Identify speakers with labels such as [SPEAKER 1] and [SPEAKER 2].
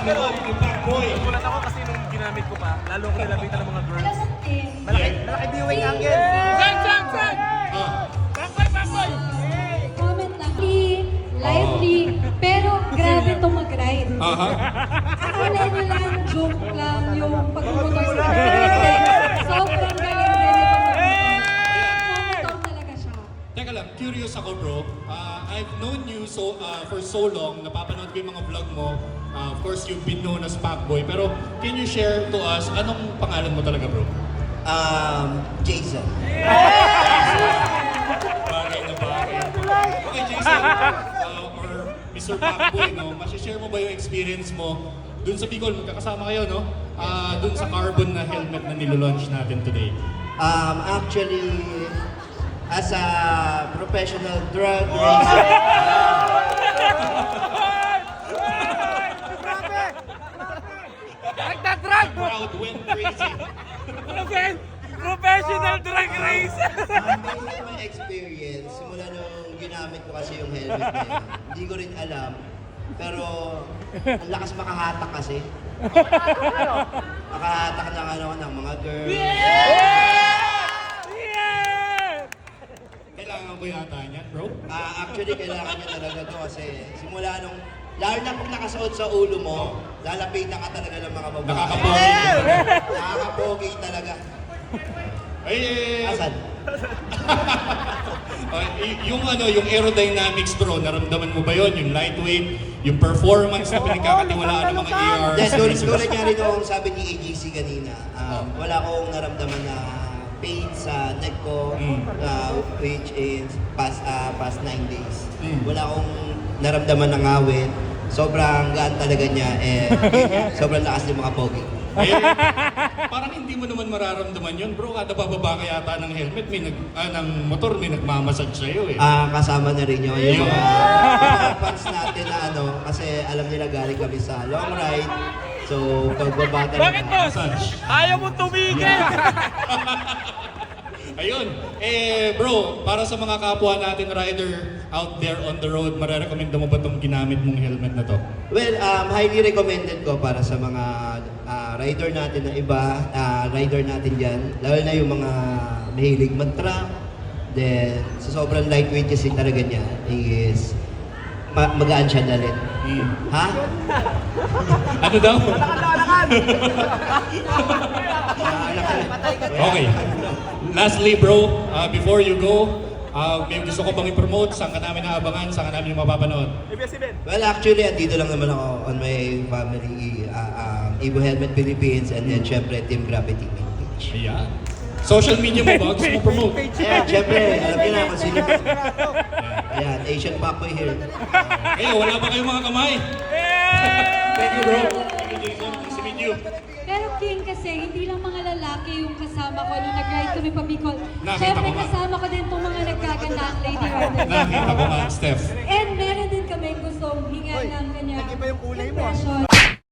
[SPEAKER 1] Nagulat ako kasi nung ginamit ko pa, lalo ko nilapitan ng mga girls.
[SPEAKER 2] Malaki viewing angle.
[SPEAKER 3] Comment lang. Lively. Pero grabe itong mag-ride. Akala nyo lang joke lang yung pagmumotor sa Hindi. Sobrang galing din ito mag-motor talaga siya.
[SPEAKER 4] Teka lang, curious ako bro. I've known you for so long, napapanood ko yung mga vlog mo. Of course, you've been known as Pacboy. Pero can you share to us, anong pangalan mo talaga bro?
[SPEAKER 5] Jason.
[SPEAKER 4] Bagay na bagay. Okay, Jason, or Mr. Pacboy, no? Masishare mo ba yung experience mo dun sa Bicol? Magkakasama kayo, no? Dun sa carbon na helmet na nilolaunch natin today.
[SPEAKER 5] Actually, as a professional drug racer,
[SPEAKER 4] Crowd went crazy.
[SPEAKER 1] Professional drag racer!
[SPEAKER 5] based on my experience, simula nung ginamit ko kasi yung helmet na yun, hindi ko rin alam. Pero, ang lakas makahatak kasi. Makahatak ng mga girls.
[SPEAKER 4] Kailangan ko yata niyan, bro.
[SPEAKER 5] Actually, kailangan niya talaga to kasi simula nung, lalo na pag nakasuot sa ulo mo, lalapitan ka talaga ng mga babae.
[SPEAKER 4] Nakakapogi.
[SPEAKER 5] Nakakapogi talaga. Asan?
[SPEAKER 4] Yung aerodynamics bro, naramdaman mo ba yon? Yung lightweight, yung performance na pinagkakatiwalaan ng mga ER.
[SPEAKER 5] Yes, tulad niya rin yung sabi ni AGC kanina, wala akong naramdaman na pain sa neck ko, which is past 9 days. Wala akong naramdaman ng awit. Sobrang gaan talaga niya, sobrang lakas ng mga pogi.
[SPEAKER 4] Parang hindi mo naman mararamdaman yun, bro. Kada bababa ka yata ng helmet, ng motor, may nagmamasage sa'yo eh.
[SPEAKER 5] Kasama na rin yun. Yung mga fans natin na kasi alam nila galing kami sa long ride. So, pagbabata
[SPEAKER 1] Bakit boss?
[SPEAKER 4] Massage.
[SPEAKER 1] Ayaw mo tumigil!
[SPEAKER 4] Ayun. Bro, para sa mga kapwa natin rider out there on the road, marerekomenda mo ba itong ginamit mong helmet na to?
[SPEAKER 5] Well, highly recommended ko para sa mga rider natin na iba, rider natin dyan, lalo na yung mga mahilig mag-truck. Then, sa sobrang lightweight kasi talaga niya is magaan siya dalhin. Ha?
[SPEAKER 4] Ano daw? Okay. Lastly bro, before you go, may gusto ko bang i-promote? Saan ka namin naabangan? Saan ka namin mapapanood?
[SPEAKER 5] Well, actually, andito lang naman ako on my family, Evo Helmet Philippines, and then syempre Team Gravity main page.
[SPEAKER 4] Ayan. Social media mo ba? Gusto mo promote?
[SPEAKER 5] Ayan, syempre, alam niyo na kung sino. Ayan, Asian Pacboy here.
[SPEAKER 4] Wala ba kayong mga kamay? Thank you bro. Thank you Jason. Nice to meet you.
[SPEAKER 3] Pero King kasi, hindi lang mga lalaki yung kasama ko nung nag-ride kami pa Bicol.
[SPEAKER 4] Nakita
[SPEAKER 3] Siyempre
[SPEAKER 4] ko nga.
[SPEAKER 3] kasama ko din itong mga nagkagandang lady riders.
[SPEAKER 4] Nakita ko nga, Steph.